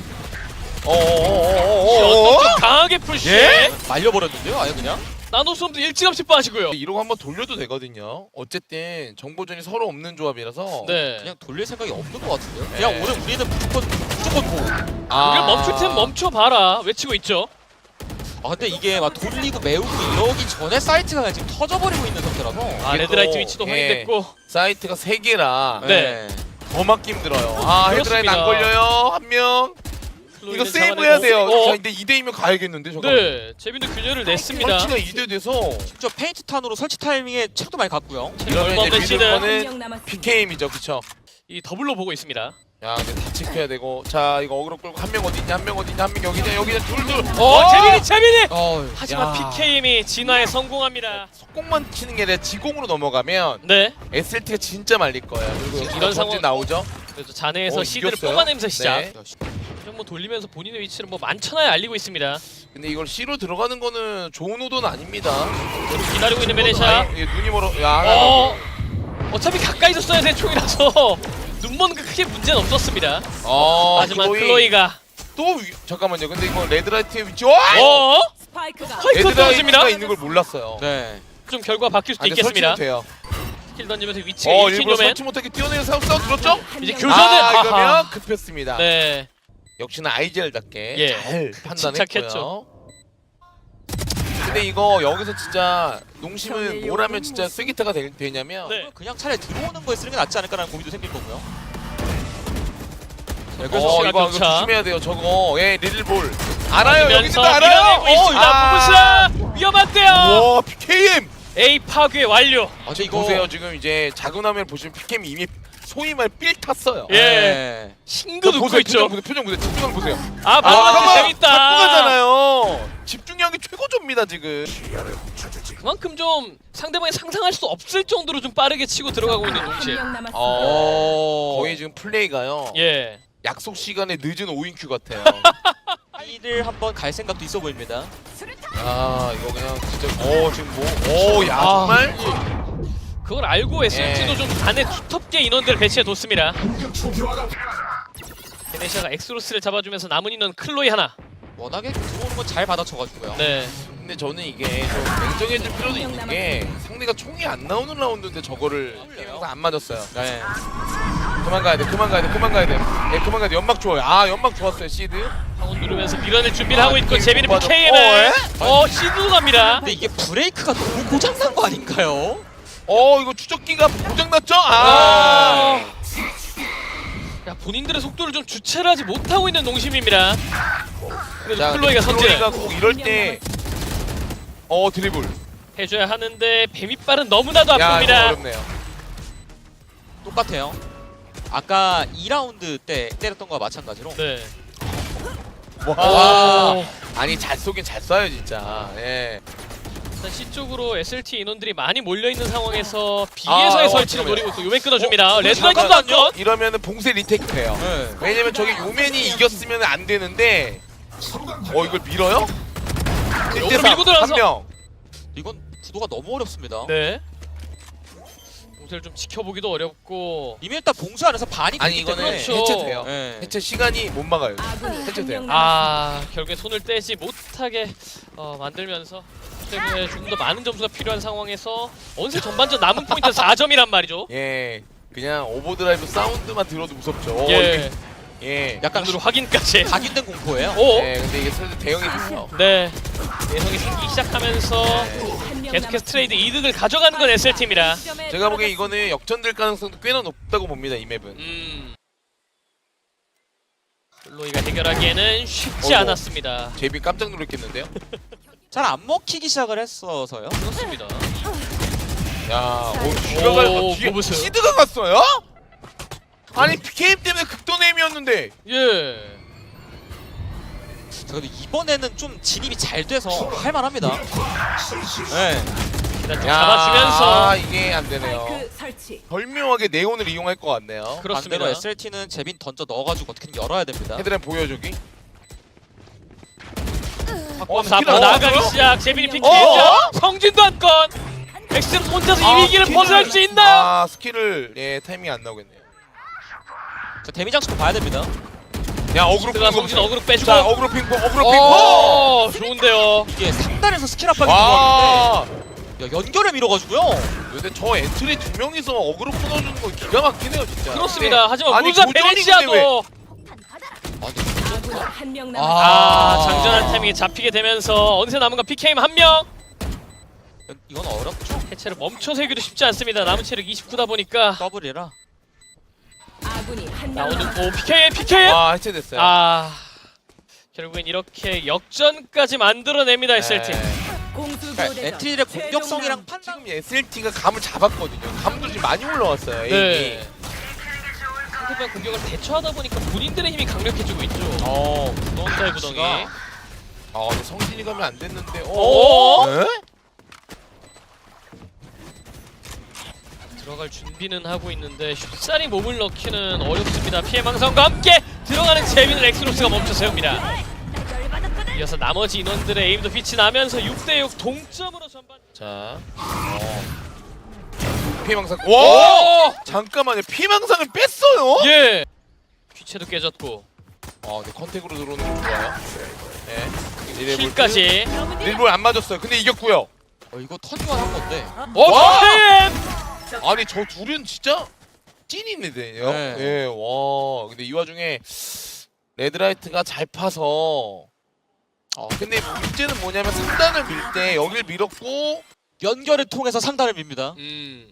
[SPEAKER 2] 어어어어어어?
[SPEAKER 1] 좀 강하게 푸시.
[SPEAKER 2] 예?
[SPEAKER 3] 말려버렸는데요, 아예 그냥.
[SPEAKER 1] 나노솜도 일찌감치 빠지고요.
[SPEAKER 2] 이러고 한번 돌려도 되거든요. 어쨌든 정보전이 서로 없는 조합이라서.
[SPEAKER 1] 네.
[SPEAKER 3] 그냥 돌릴 생각이 없는 것 같은데요.
[SPEAKER 2] 네.
[SPEAKER 3] 그냥 오늘 우리는 무조건 무조건 고.
[SPEAKER 2] 아.
[SPEAKER 1] 이걸 멈출 땐 멈춰봐라 외치고 있죠.
[SPEAKER 3] 아 근데 이게 막 돌리고 메우고 이러기 전에 사이트가 그냥 지금 터져버리고 있는 상태라서.
[SPEAKER 1] 아,
[SPEAKER 2] 이게
[SPEAKER 1] 레드라이트
[SPEAKER 2] 또,
[SPEAKER 1] 위치도
[SPEAKER 2] 예.
[SPEAKER 1] 확인됐고.
[SPEAKER 2] 사이트가 세 개라
[SPEAKER 1] 네.
[SPEAKER 2] 더 막기 힘들어요. 아, 헤드라인
[SPEAKER 1] 그렇습니다.
[SPEAKER 2] 안 걸려요. 한 명. 이거
[SPEAKER 1] 클로이는
[SPEAKER 2] 세이브 해야 돼요.
[SPEAKER 1] 잡아내고.
[SPEAKER 2] 자,
[SPEAKER 1] 어?
[SPEAKER 2] 근데 이 대이면 가야겠는데 저거.
[SPEAKER 1] 네. 제빈도 균열을 냈습니다.
[SPEAKER 2] 설치가 이 대 돼서
[SPEAKER 3] 진짜 페인트 탄으로 설치 타이밍에 책도 많이 갔고요.
[SPEAKER 2] 이러면
[SPEAKER 1] 얼마
[SPEAKER 2] 이제
[SPEAKER 1] 없는
[SPEAKER 2] 믿을
[SPEAKER 1] 시드.
[SPEAKER 4] 한
[SPEAKER 2] 거는
[SPEAKER 4] 명 남았습니다.
[SPEAKER 2] 피케이엠이죠, 그쵸?
[SPEAKER 1] 이 더블로 보고 있습니다.
[SPEAKER 2] 야, 근데 다 체크해야 되고. 자, 이거 어그로 끌고 한 명 어디 있냐, 한 명 어디 있냐, 한 명 여기 있냐, 여기 있냐, 둘, 둘.
[SPEAKER 1] 어, 재빈이 재빈이.
[SPEAKER 3] 어,
[SPEAKER 1] 하지만
[SPEAKER 2] 야.
[SPEAKER 1] 피케이엠이 진화에 성공합니다.
[SPEAKER 2] 속공만 치는 게 아니라 지공으로 넘어가면
[SPEAKER 1] 네.
[SPEAKER 2] 에스엘티가 진짜 말릴 거예요. 그리고
[SPEAKER 1] 이런
[SPEAKER 2] 이런
[SPEAKER 1] 상황-
[SPEAKER 2] 상황 나오죠.
[SPEAKER 1] 그래서 잔해에서
[SPEAKER 2] 어,
[SPEAKER 1] 시드를
[SPEAKER 2] 이겼어요?
[SPEAKER 1] 뽑아내면서 시작.
[SPEAKER 2] 네.
[SPEAKER 1] 좀 뭐 돌리면서 본인의 위치를 뭐 만천하에 알리고 있습니다.
[SPEAKER 2] 근데 이걸 C로 들어가는 거는 좋은 오도는 아닙니다.
[SPEAKER 1] 기다리고 있는 베네샤.
[SPEAKER 2] 아니, 예, 눈이 멀어. 야,
[SPEAKER 1] 어. 어차피 가까이서 써야 될 총이라서 눈 먼 거 크게 문제는 없었습니다.
[SPEAKER 2] 어,
[SPEAKER 1] 하지만
[SPEAKER 2] 클로이.
[SPEAKER 1] 클로이가
[SPEAKER 2] 또 위... 잠깐만요. 근데 이거 레드라이트의 위치. 와!
[SPEAKER 1] 어?
[SPEAKER 4] 스파이크가
[SPEAKER 1] 스파이크 떨어집니다.
[SPEAKER 2] 레드라이트가 있는 걸 몰랐어요.
[SPEAKER 3] 네.
[SPEAKER 1] 좀 결과 바뀔 수도
[SPEAKER 2] 아, 근데
[SPEAKER 1] 있겠습니다.
[SPEAKER 2] 설치도 돼요.
[SPEAKER 1] 스킬 던지면서 위치가
[SPEAKER 2] 어,
[SPEAKER 1] 일킨
[SPEAKER 2] 일부러
[SPEAKER 1] 요맨.
[SPEAKER 2] 설치 못하게 뛰어내는 싸움 싸움 들었죠?
[SPEAKER 4] 한
[SPEAKER 1] 이제
[SPEAKER 4] 명
[SPEAKER 1] 교전은-
[SPEAKER 2] 아,
[SPEAKER 1] 아하.
[SPEAKER 2] 이러면 급했습니다.
[SPEAKER 1] 네.
[SPEAKER 2] 역시나 아이젤답게
[SPEAKER 1] 예.
[SPEAKER 2] 잘 판단했고요.
[SPEAKER 1] 침착했죠.
[SPEAKER 2] 근데 이거 여기서 진짜 농심은 뭘 하면 진짜 쐐기타가 되, 되냐면
[SPEAKER 1] 네.
[SPEAKER 3] 그냥 차라리 들어오는 거에 쓰는 게 낫지 않을까라는 고민도 생길 거고요.
[SPEAKER 1] 자, 그래서
[SPEAKER 2] 어,
[SPEAKER 1] 시간
[SPEAKER 2] 이거, 이거
[SPEAKER 1] 교차.
[SPEAKER 2] 조심해야 돼요. 저거. 예, 리들볼. 알아요. 여기서
[SPEAKER 1] 맞으면서
[SPEAKER 2] 알아요.
[SPEAKER 1] 밀어내고 있습니다. 부부스라 위험한데요.
[SPEAKER 2] 와, 피케이엠.
[SPEAKER 1] A 파괴 완료.
[SPEAKER 3] 아 근데
[SPEAKER 2] 지금
[SPEAKER 3] 이거
[SPEAKER 2] 보세요. 지금 이제 작은 화면 보시면 피케이엠이 이미 소위 말 삘 탔어요.
[SPEAKER 1] 예.
[SPEAKER 3] 네.
[SPEAKER 1] 싱긋 웃고
[SPEAKER 2] 보세요.
[SPEAKER 1] 있죠.
[SPEAKER 2] 표정 보세요. 표정 보세요. 집중력 보세요.
[SPEAKER 1] 아,
[SPEAKER 2] 아,
[SPEAKER 1] 바로
[SPEAKER 2] 잠깐만.
[SPEAKER 1] 재밌다.
[SPEAKER 2] 잡고 가잖아요. 집중력이 최고조입니다, 지금.
[SPEAKER 1] 그만큼 좀 상대방이 상상할 수 없을 정도로 좀 빠르게 치고 들어가고 있는 농심.
[SPEAKER 4] 한명 남았습니다.
[SPEAKER 2] 어,
[SPEAKER 3] 어.
[SPEAKER 2] 거의 지금 플레이가요.
[SPEAKER 1] 예.
[SPEAKER 2] 약속 시간에 늦은 오인큐 같아요.
[SPEAKER 3] 이를 한번 갈 생각도 있어 보입니다.
[SPEAKER 2] 아, 이거 그냥 진짜 어, 지금 뭐 오, 야,
[SPEAKER 1] 아.
[SPEAKER 2] 정말
[SPEAKER 1] 그걸 알고 에스엔티도
[SPEAKER 2] 예.
[SPEAKER 1] 좀 안에 두텁게 인원들을 배치해뒀습니다. 베네시아가 엑스로스를 잡아주면서 남은 인원 클로이 하나.
[SPEAKER 3] 워낙에 들어오는 건 잘 받아쳐가지고요.
[SPEAKER 1] 네.
[SPEAKER 2] 근데 저는 이게 좀 냉정해질 필요도 있는 게 상대가 총이 안 나오는 라운드인데 저거를 항상 안 맞았어요.
[SPEAKER 3] 네.
[SPEAKER 2] 그만 가야 돼, 그만 가야 돼, 그만 가야 돼. 예, 그만 가야 돼. 연막 좋아요. 아, 연막 좋았어요, 시드.
[SPEAKER 1] 방원 누르면서 밀어낼 준비를
[SPEAKER 2] 아,
[SPEAKER 1] 하고 있고
[SPEAKER 2] 이거
[SPEAKER 1] 제빈이
[SPEAKER 2] 못 봐줘.
[SPEAKER 1] 피케이엠을 어 시드도 갑니다.
[SPEAKER 3] 근데 이게 브레이크가 너무 고장난 거 아닌가요?
[SPEAKER 2] 어, 이거 추적기가 고장났죠? 아.
[SPEAKER 1] 어. 야, 본인들의 속도를 좀 주체를 하지 못하고 있는 농심입니다. 그래도
[SPEAKER 2] 자,
[SPEAKER 1] 클로이가 선제
[SPEAKER 2] 클로이가 꼭 이럴 때 어, 드리블.
[SPEAKER 1] 해줘야 하는데 뱀이빨은 너무나도
[SPEAKER 2] 야, 이거
[SPEAKER 1] 아픕니다.
[SPEAKER 2] 어렵네요.
[SPEAKER 3] 똑같아요. 아까 이 라운드 때 때렸던 거와 마찬가지로.
[SPEAKER 1] 네.
[SPEAKER 2] 와.
[SPEAKER 1] 오.
[SPEAKER 2] 아니, 잘 쏘긴 잘 쏴요, 진짜. 예.
[SPEAKER 1] 일단 C 쪽으로 에스엘티 인원들이 많이 몰려 있는 상황에서 B에서의
[SPEAKER 2] 아,
[SPEAKER 1] 설치를
[SPEAKER 2] 잠깐만요.
[SPEAKER 1] 노리고 있고 요맨 끊어줍니다.
[SPEAKER 3] 어,
[SPEAKER 1] 레드라이트도 한
[SPEAKER 3] 잠깐만요.
[SPEAKER 1] 건.
[SPEAKER 2] 이러면은 봉쇄 리테이크 돼요.
[SPEAKER 3] 네.
[SPEAKER 2] 왜냐면 저기 요맨이 이겼으면 안 되는데 어 이걸 밀어요?
[SPEAKER 1] 역으로 밀고 들어가서.
[SPEAKER 2] 한 명.
[SPEAKER 3] 이건 구도가 너무 어렵습니다.
[SPEAKER 1] 네. 공세를 좀 지켜보기도 어렵고.
[SPEAKER 3] 이미 일단 봉쇄 안에서 반이
[SPEAKER 2] 아니
[SPEAKER 3] 됐기
[SPEAKER 2] 이거는
[SPEAKER 3] 때문에.
[SPEAKER 1] 그렇죠.
[SPEAKER 2] 해체돼요.
[SPEAKER 3] 네.
[SPEAKER 2] 해체 시간이 못 막아요.
[SPEAKER 4] 아군이
[SPEAKER 2] 해체돼요.
[SPEAKER 4] 한명 남았습니다.
[SPEAKER 1] 아, 결국에 손을 떼지 못하게 어, 만들면서 때문에 조금 더 많은 점수가 필요한 상황에서 어느새 전반전 남은 포인트 사 점이란 말이죠.
[SPEAKER 2] 예. 그냥 오버드라이브 사운드만 들어도 무섭죠. 어,
[SPEAKER 1] 예.
[SPEAKER 2] 이게- 예.
[SPEAKER 3] 약간
[SPEAKER 1] 눈으로 확인까지.
[SPEAKER 3] 각인된 공포예요.
[SPEAKER 1] 오.
[SPEAKER 2] 예, 근데 이게 슬슬 대형이 됐어.
[SPEAKER 1] 네. 내성이 생기기 시작하면서
[SPEAKER 4] 한명
[SPEAKER 1] 계속해서 트레이드 이득을 가져가는 건 에스엘티입니다.
[SPEAKER 2] 제가 보기엔 이거는 역전될 가능성도 꽤나 높다고 봅니다, 이 맵은.
[SPEAKER 1] 음. 플로이가 해결하기에는 쉽지
[SPEAKER 2] 어이구.
[SPEAKER 1] 않았습니다.
[SPEAKER 2] 제비 깜짝 놀랐겠는데요?
[SPEAKER 3] 잘 안 먹히기 시작을 했어서요.
[SPEAKER 1] 그렇습니다.
[SPEAKER 2] 야, 오, 슈가가
[SPEAKER 1] 오,
[SPEAKER 2] 뒤에
[SPEAKER 1] 보세요.
[SPEAKER 2] 시드가 갔어요? 아니 피케임 때문에 극돈 에임이었는데.
[SPEAKER 1] 예.
[SPEAKER 3] 자, 근데 이번에는 좀 진입이 잘 돼서 할만합니다. 네.
[SPEAKER 1] 일단 좀
[SPEAKER 2] 야,
[SPEAKER 1] 잡아주면서
[SPEAKER 2] 아, 이게 안 되네요.
[SPEAKER 4] 스파이크 설치.
[SPEAKER 2] 절묘하게 네온을 이용할 것 같네요.
[SPEAKER 1] 그렇습니다.
[SPEAKER 3] 반대로 에스엘티는 제빈 던져 넣어가지고 어떻게든 열어야 됩니다.
[SPEAKER 2] 헤드램 보여주기.
[SPEAKER 1] 바꿔서
[SPEAKER 2] 어,
[SPEAKER 1] 앞으로
[SPEAKER 2] 어,
[SPEAKER 1] 나아가기
[SPEAKER 2] 어?
[SPEAKER 1] 시작. 제빈이
[SPEAKER 2] 어?
[SPEAKER 1] 피키했죠. 성진도 한 건. 엑스는 혼자서 이 위기를
[SPEAKER 2] 스킬을-
[SPEAKER 1] 벗어날 수 있나요?
[SPEAKER 2] 아 스킬을 예 타이밍 안 나오겠네요.
[SPEAKER 3] 자, 데미 장식도 봐야 됩니다.
[SPEAKER 2] 야 어그로
[SPEAKER 1] 제가
[SPEAKER 2] 핑퐁
[SPEAKER 1] 성진 어그로 빼주고.
[SPEAKER 2] 자 어그로 핑퐁 어그로 핑퐁.
[SPEAKER 1] 오, 좋은데요.
[SPEAKER 3] 이게 상단에서 스킬 압박이 들어왔는데
[SPEAKER 2] 와.
[SPEAKER 3] 야, 연결을 밀어가지고요.
[SPEAKER 2] 근데 저 엔트리 두 명이서 어그로 끊어주는 거 기가 막히네요 진짜.
[SPEAKER 1] 그렇습니다. 하지만
[SPEAKER 2] 아니,
[SPEAKER 1] 무자
[SPEAKER 2] 고전이
[SPEAKER 1] 베네치아도
[SPEAKER 4] 아군이 한 명 남았습니다.
[SPEAKER 1] 아,
[SPEAKER 3] 아.
[SPEAKER 1] 장전한 타이밍에 잡히게 되면서 어느새 남은 건 피케임 한 명.
[SPEAKER 3] 이건 어렵죠.
[SPEAKER 1] 해체를 멈춰 세기도 쉽지 않습니다. 남은 체력 이십구다 보니까
[SPEAKER 3] 더블이라.
[SPEAKER 4] 아군이 한 명
[SPEAKER 1] 나오는
[SPEAKER 4] 남았습니다.
[SPEAKER 1] 오 피케임 피케임.
[SPEAKER 2] 와 해체됐어요.
[SPEAKER 1] 아, 결국엔 이렇게 역전까지 만들어냅니다 에스엘티.
[SPEAKER 2] 네.
[SPEAKER 4] 공수
[SPEAKER 3] 그러니까
[SPEAKER 4] 교대전.
[SPEAKER 3] 엔트리의 공격성이랑
[SPEAKER 4] 최종
[SPEAKER 3] 판단.
[SPEAKER 2] 지금 에스엘티가 감을 잡았거든요. 감도 지금 많이 올라왔어요. 에임이.
[SPEAKER 1] 네. 상대방 공격을 대처하다 보니까 본인들의 힘이 강력해지고 있죠.
[SPEAKER 2] 어.
[SPEAKER 1] 구덩이의 구덩이.
[SPEAKER 2] 아 근데 성진이 가면 안 됐는데.
[SPEAKER 1] 오!
[SPEAKER 2] 네?
[SPEAKER 1] 들어갈 준비는 하고 있는데 쉽사리 몸을 넣기는 어렵습니다. 피해 망상과 함께 들어가는 제빈을 엑스로스가 멈춰 세웁니다. 이어서 나머지 인원들의 에임도 빛이 나면서 육 대 육 동점으로 전반.
[SPEAKER 2] 자. 어. 피해망상. 와! 잠깐만요. 피해망상을 뺐어요?
[SPEAKER 1] 예. 퀴체도 깨졌고
[SPEAKER 2] 어, 네 컨택으로 들어오는 거 좋아요. 네. 리레볼트.
[SPEAKER 1] 킬까지.
[SPEAKER 2] 릴볼 안 맞았어요. 근데 이겼고요.
[SPEAKER 3] 어, 이거 턴유한 한 건데.
[SPEAKER 1] 오,
[SPEAKER 2] 와!
[SPEAKER 1] 템!
[SPEAKER 2] 아니 저 둘은 진짜 찐이네요.
[SPEAKER 3] 네.
[SPEAKER 2] 예, 와. 근데 이 와중에 레드라이트가 잘 파서. 어, 근데 문제는 뭐냐면 상단을 밀 때 여길 밀었고.
[SPEAKER 3] 연결을 통해서 상단을 밉니다.
[SPEAKER 1] 음.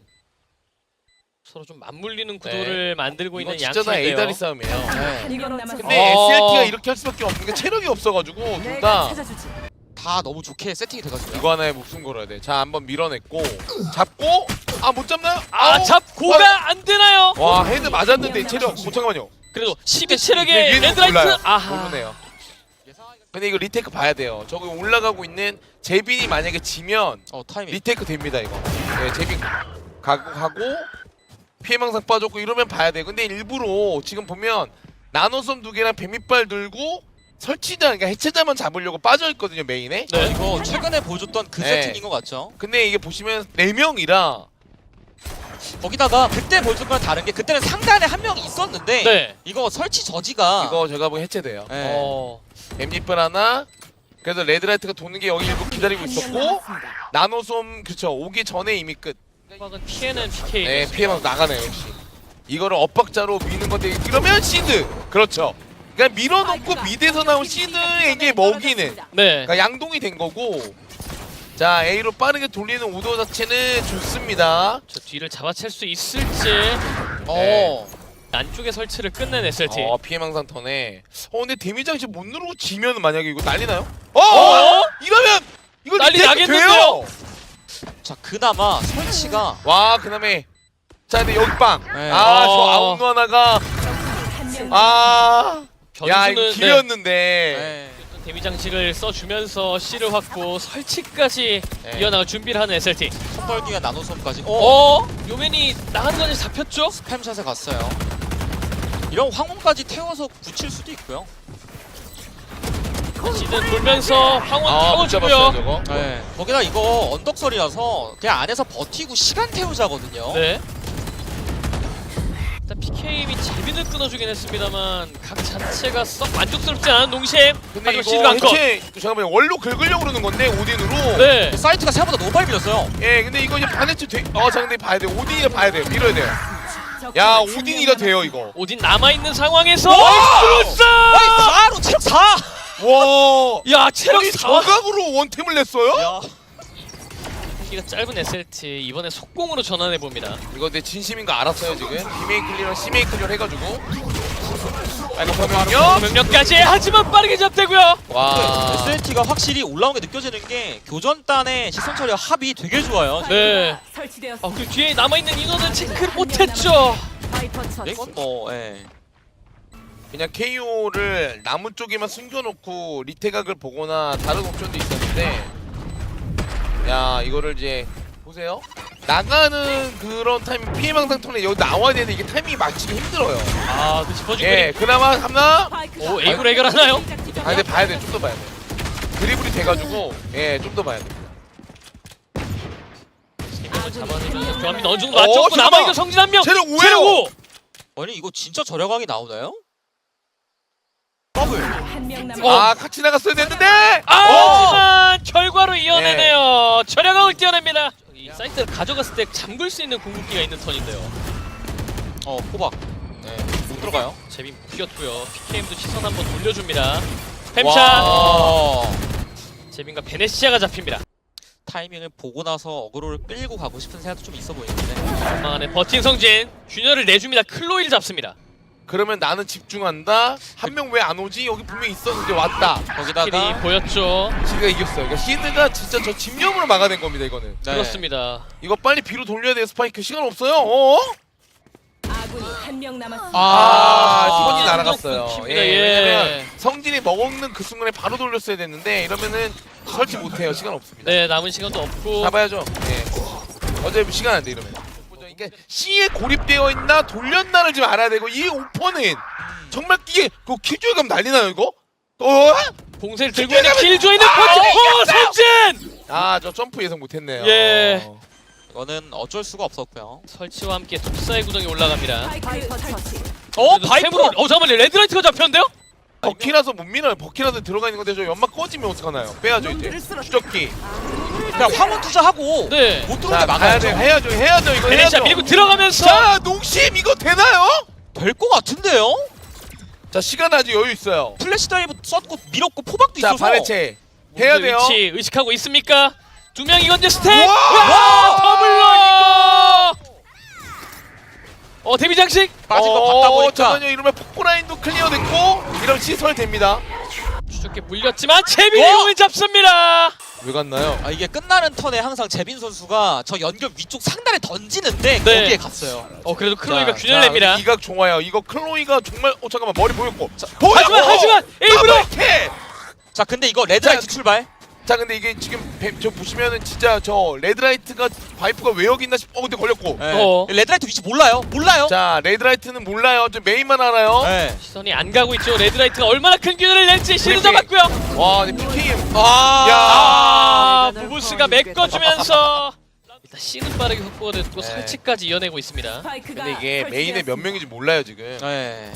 [SPEAKER 1] 서로 좀 맞물리는 구도를 만들고
[SPEAKER 2] 이건
[SPEAKER 1] 있는
[SPEAKER 2] 진짜 다
[SPEAKER 1] 양팀인데요.
[SPEAKER 2] 에이다리 싸움이에요.
[SPEAKER 3] 네.
[SPEAKER 4] 한 명 남았습니다.
[SPEAKER 2] 근데
[SPEAKER 1] 어.
[SPEAKER 2] 에스엘티가 이렇게 할 수밖에 없는 게 체력이 없어가지고 둘
[SPEAKER 4] 내가
[SPEAKER 2] 다
[SPEAKER 4] 찾아주지.
[SPEAKER 3] 다 너무 좋게 세팅이 돼가지고요.
[SPEAKER 2] 이거 하나에 목숨 걸어야 돼. 자, 한번 밀어냈고 잡고 아 못 잡나요?
[SPEAKER 1] 아,
[SPEAKER 2] 아우!
[SPEAKER 1] 잡고가 안 되나요?
[SPEAKER 2] 와 헤드 맞았는데 체력 못 잠깐만요.
[SPEAKER 1] 그래도 십이
[SPEAKER 2] 위에
[SPEAKER 1] 체력의
[SPEAKER 2] 위에는
[SPEAKER 1] 레드라이트.
[SPEAKER 2] 몰라요.
[SPEAKER 1] 아하.
[SPEAKER 2] 모르네요. 근데 이거 리테이크 봐야 돼요. 저기 올라가고 있는 제빈이 만약에 지면
[SPEAKER 3] 어, 타이밍.
[SPEAKER 2] 리테이크 됩니다 이거. 네, 제빈 가고 가고 피해망상 빠졌고 이러면 봐야 돼. 근데 일부러 지금 보면 나노섬 두 개랑 뱀이빨 들고 설치자 그러니까 해체자만 잡으려고 빠져 있거든요 메인에.
[SPEAKER 3] 어,
[SPEAKER 1] 네.
[SPEAKER 3] 이거 최근에 보여줬던 그
[SPEAKER 2] 네.
[SPEAKER 3] 세팅인 것 같죠?
[SPEAKER 2] 근데 이게 보시면 네 명이라
[SPEAKER 3] 거기다가 그때 보여준 거랑 다른 게 그때는 상단에 한 명이 있었는데
[SPEAKER 1] 네.
[SPEAKER 3] 이거 설치 저지가
[SPEAKER 2] 이거 제가 보기 해체돼요.
[SPEAKER 3] 네.
[SPEAKER 1] 어.
[SPEAKER 2] 뱀잎을 하나 그래서 레드라이트가 도는 게 여기 일부 기다리고 있었고 나노솜 그쵸 오기 전에 이미 끝.
[SPEAKER 1] 음악은 피해는 피케이.
[SPEAKER 2] 네 피해만 나가네요 역시. 이거를 엇박자로 미는 건데 이러면 시드 그렇죠. 그러니까 밀어놓고 미드에서 나온 시드에게 먹이는
[SPEAKER 1] 네.
[SPEAKER 2] 그러니까 양동이 된 거고. 자 A로 빠르게 돌리는 오더 자체는 좋습니다.
[SPEAKER 1] 저 뒤를 잡아챌 수 있을지.
[SPEAKER 3] 어.
[SPEAKER 1] 안쪽에 설치를 끝낸 에스엘티.
[SPEAKER 2] 어 피해망상 턴에. 어 근데 데미지 장식 못 누르고 지면 만약에 이거 난리 나요? 어!
[SPEAKER 1] 어?
[SPEAKER 2] 이러면 이거
[SPEAKER 1] 난리
[SPEAKER 2] 리테이크
[SPEAKER 1] 나겠는데요?
[SPEAKER 2] 돼요!
[SPEAKER 3] 자, 그나마 설치가
[SPEAKER 2] 와 그다음에 자 근데 여기 빵.
[SPEAKER 3] 네.
[SPEAKER 2] 아 저
[SPEAKER 1] 어.
[SPEAKER 2] 아웃 하나가
[SPEAKER 4] 한명
[SPEAKER 2] 아. 야 이거
[SPEAKER 1] 변수는 네.
[SPEAKER 2] 길이었는데.
[SPEAKER 3] 네.
[SPEAKER 1] 데미 장식을 써주면서 C를 확보, 설치까지
[SPEAKER 2] 네.
[SPEAKER 1] 이어나갈 준비를 하는 에스엘티.
[SPEAKER 3] 손벌기 위한 나노솜까지. 어?
[SPEAKER 1] 어? 요맨이 나가는 건지 잡혔죠?
[SPEAKER 3] 스팸샷에 갔어요. 이런 황혼까지 태워서 붙일 수도 있고요.
[SPEAKER 1] 시즌 돌면서 황혼
[SPEAKER 2] 아, 못 잡았어요
[SPEAKER 1] 타워주고요.
[SPEAKER 2] 저거.
[SPEAKER 3] 네. 거기다 이거 언덕설이라서 그냥 안에서 버티고 시간 태우자거든요.
[SPEAKER 1] 네. 일단 피케임이 제빈을 끊어주긴 했습니다만 각 자체가 썩 만족스럽지 않은 농심.
[SPEAKER 2] 근데
[SPEAKER 1] 하지만
[SPEAKER 2] 이거
[SPEAKER 1] 시드가 한 건.
[SPEAKER 2] 해체 잠깐만 원로 긁으려고 그러는 건데 오딘으로.
[SPEAKER 1] 네.
[SPEAKER 3] 사이트가 생각보다 너무 빨리 밀렸어요.
[SPEAKER 2] 예 근데 이거 이제 반해체 돼. 어자 근데 봐야 돼. 오딘이가 봐야 돼요. 밀어야 돼요. 야 오딘이가 돼요 이거.
[SPEAKER 1] 오딘 남아있는 상황에서
[SPEAKER 2] 와!
[SPEAKER 1] 엑스루스!
[SPEAKER 3] 아니, 사로 체력 사!
[SPEAKER 2] 와.
[SPEAKER 1] 야 체력
[SPEAKER 2] 아니
[SPEAKER 1] 사.
[SPEAKER 2] 저각으로 원템을 냈어요?
[SPEAKER 3] 야.
[SPEAKER 1] 기가 짧은 에스엘티 이번에 속공으로 전환해봅니다.
[SPEAKER 2] 이거 내 진심인 거 알았어요 지금. 비메이 클리어랑 C메이 클리어 해가지고. 빨간 화면요.
[SPEAKER 1] 명령까지 하지만 빠르게 잡되고요.
[SPEAKER 2] 와.
[SPEAKER 3] 에스엔티가 확실히 올라온 게 느껴지는 게 교전단의 시선 처리와 합이 되게 좋아요.
[SPEAKER 1] 네.
[SPEAKER 4] 설치되었습니다.
[SPEAKER 1] 아, 그 뒤에 남아있는 인원은 체크를 못했죠.
[SPEAKER 4] 바이퍼 처치.
[SPEAKER 3] 이건 뭐 예.
[SPEAKER 2] 그냥 케이오를 나무 쪽에만 숨겨놓고 리테각을 보거나 다른 옵션도 있었는데, 야 이거를 이제 보세요. 나가는 그런 타이밍 피해망상 턴에 여기 나와야 되는데 이게 타이밍이 맞추기 힘들어요.
[SPEAKER 1] 아, 그 짚어준
[SPEAKER 2] 예,
[SPEAKER 1] 그림.
[SPEAKER 2] 그나마 함나.
[SPEAKER 4] 스파이크가
[SPEAKER 1] 오, 에이브로 해결하나요?
[SPEAKER 2] 아 근데 봐야 돼, 좀 더 봐야 돼. 드리블이 돼가지고 예, 좀 더 봐야 돼.
[SPEAKER 1] 세명을 잡아내면서 교환민 어느 정도
[SPEAKER 2] 어,
[SPEAKER 1] 맞췄고
[SPEAKER 2] 잠깐만.
[SPEAKER 1] 남아있는 성진 한 명.
[SPEAKER 2] 체력 오예요.
[SPEAKER 1] 체력 오.
[SPEAKER 3] 아니 이거 진짜 저렴하게 나오나요? 더블.
[SPEAKER 4] 한명
[SPEAKER 1] 어.
[SPEAKER 4] 남았습니다.
[SPEAKER 2] 아 같이 나갔어야 됐는데.
[SPEAKER 1] 아,
[SPEAKER 2] 어!
[SPEAKER 1] 하지만 결과로 이어내네요. 절약왕을 띄어냅니다. 이 사이트를 가져갔을 때 잠글 수 있는 궁극기가 있는 턴인데요.
[SPEAKER 3] 어 호박. 네. 못 들어가요.
[SPEAKER 1] 재빈 묶였고요. 피케이엠도 시선 한번 돌려줍니다. 햄샷.
[SPEAKER 3] 와.
[SPEAKER 1] 재빈과 베네시아가 잡힙니다.
[SPEAKER 3] 타이밍을 보고 나서 어그로를 끌고 가고 싶은 생각도 좀 있어 보이는데.
[SPEAKER 1] 전망 안에 버틴 성진. 균열을 내줍니다. 클로이를 잡습니다.
[SPEAKER 2] 그러면 나는 집중한다. 한 명 왜 안 오지? 여기 분명히 있었는데 왔다.
[SPEAKER 1] 킬이
[SPEAKER 3] 거기다가
[SPEAKER 1] 보였죠.
[SPEAKER 2] 시드가 이겼어요. 그러니까 시드가 진짜 저 집념으로 막아낸 겁니다. 이거는.
[SPEAKER 3] 네.
[SPEAKER 1] 그렇습니다.
[SPEAKER 2] 이거 빨리 비로 돌려야 돼요. 스파이크 시간 없어요. 어?
[SPEAKER 4] 아군이 한명 남았습니다.
[SPEAKER 2] 아,
[SPEAKER 3] 아,
[SPEAKER 2] 손이
[SPEAKER 1] 아,
[SPEAKER 2] 날아갔어요.
[SPEAKER 1] 끊깁니다.
[SPEAKER 2] 예,
[SPEAKER 1] 예.
[SPEAKER 2] 왜냐면 성진이 먹는 그 순간에 바로 돌렸어야 됐는데 이러면은 설치 못해요. 시간 없습니다.
[SPEAKER 1] 네, 남은 시간도 없고.
[SPEAKER 2] 잡아야죠. 예. 어차피 시간 안 돼 이러면. 이게 C에 고립되어 있나 돌렸나를 지금 알아야 되고 이 오퍼는 정말 이게 그 킬조이 가면 난리나요 이거? 어?
[SPEAKER 1] 봉쇄를 들고 있는 킬조이는 퍼지. 오, 성진!
[SPEAKER 2] 아, 저 점프 예상 못했네요.
[SPEAKER 1] 예.
[SPEAKER 3] 이거는 어쩔 수가 없었고요.
[SPEAKER 1] 설치와 함께 독사의 구덩이 올라갑니다.
[SPEAKER 4] 바이퍼 설치.
[SPEAKER 3] 어
[SPEAKER 1] 그래도
[SPEAKER 3] 바이퍼.
[SPEAKER 1] 템으로- 어 잠깐만요. 레드라이트가 잡혔는데요?
[SPEAKER 2] 버키라서 못 밀어요. 버키라서 들어가 있는 건데 저 연막 꺼지면 어떡하나요? 빼야죠 이제. 추적기.
[SPEAKER 3] 그냥 화물 투자하고
[SPEAKER 1] 네.
[SPEAKER 3] 못
[SPEAKER 2] 자,
[SPEAKER 3] 들어오게
[SPEAKER 2] 가야 돼.
[SPEAKER 3] 막아야죠.
[SPEAKER 2] 해야죠. 해야죠. 이거
[SPEAKER 1] 베네시아
[SPEAKER 2] 해야죠.
[SPEAKER 1] 밀고 들어가면서.
[SPEAKER 2] 자, 농심 이거 되나요?
[SPEAKER 3] 될 것 같은데요?
[SPEAKER 2] 자, 시간 아직 여유 있어요.
[SPEAKER 3] 플래시 다이브 썼고 밀었고 포박도
[SPEAKER 2] 자,
[SPEAKER 3] 있어서.
[SPEAKER 2] 바네체 해야
[SPEAKER 1] 모두
[SPEAKER 2] 돼요.
[SPEAKER 1] 위치 의식하고 있습니까? 두 명 이건데 스텝.
[SPEAKER 2] 우와!
[SPEAKER 1] 와! 더블로. 어 데뷔 장식.
[SPEAKER 3] 빠진 거 봤다 보니까.
[SPEAKER 2] 잠깐만요. 이러면 폭포라인도 클리어됐고 이런 시설 됩니다.
[SPEAKER 1] 추적게 물렸지만 제빈이
[SPEAKER 3] 어?
[SPEAKER 1] 공을 잡습니다.
[SPEAKER 2] 왜 갔나요?
[SPEAKER 3] 아 이게 끝나는 턴에 항상 재빈 선수가 저 연결 위쪽 상단에 던지는데
[SPEAKER 1] 네.
[SPEAKER 3] 거기에 갔어요.
[SPEAKER 1] 어 그래도 클로이가
[SPEAKER 2] 자,
[SPEAKER 1] 균열
[SPEAKER 2] 자,
[SPEAKER 1] 냅니다.
[SPEAKER 2] 이각 좋아요. 이거 클로이가 정말 어 잠깐만 머리 보였고. 자,
[SPEAKER 1] 하지만 하지만 에이브로.
[SPEAKER 2] 더블킥!
[SPEAKER 3] 자 근데 이거 레드라이트
[SPEAKER 2] 자,
[SPEAKER 3] 출발.
[SPEAKER 2] 자 근데 이게 지금 뱀- 저 보시면은 진짜 저 레드라이트가 바이프가 왜 여기 있나 싶. 어 근데 걸렸고.
[SPEAKER 3] 네.
[SPEAKER 1] 어.
[SPEAKER 3] 레드라이트 위치 몰라요. 몰라요.
[SPEAKER 2] 자 레드라이트는 몰라요. 저 메인만 알아요.
[SPEAKER 3] 네.
[SPEAKER 1] 시선이 안 가고 있죠. 레드라이트가 얼마나 큰 균열을 낼지 시도
[SPEAKER 2] 브리핑.
[SPEAKER 1] 잡았고요.
[SPEAKER 2] 와 근데 피케이엠.
[SPEAKER 3] 아.
[SPEAKER 1] 아
[SPEAKER 4] 야.
[SPEAKER 1] 부부스가 메꿔주면서 일단 C는 빠르게 확보가 됐고
[SPEAKER 2] 네.
[SPEAKER 1] 설치까지 이어내고 있습니다.
[SPEAKER 4] 스파이크가
[SPEAKER 2] 근데 이게 메인에 몇
[SPEAKER 4] 설치되었습니다.
[SPEAKER 2] 명인지 몰라요 지금.
[SPEAKER 3] 네.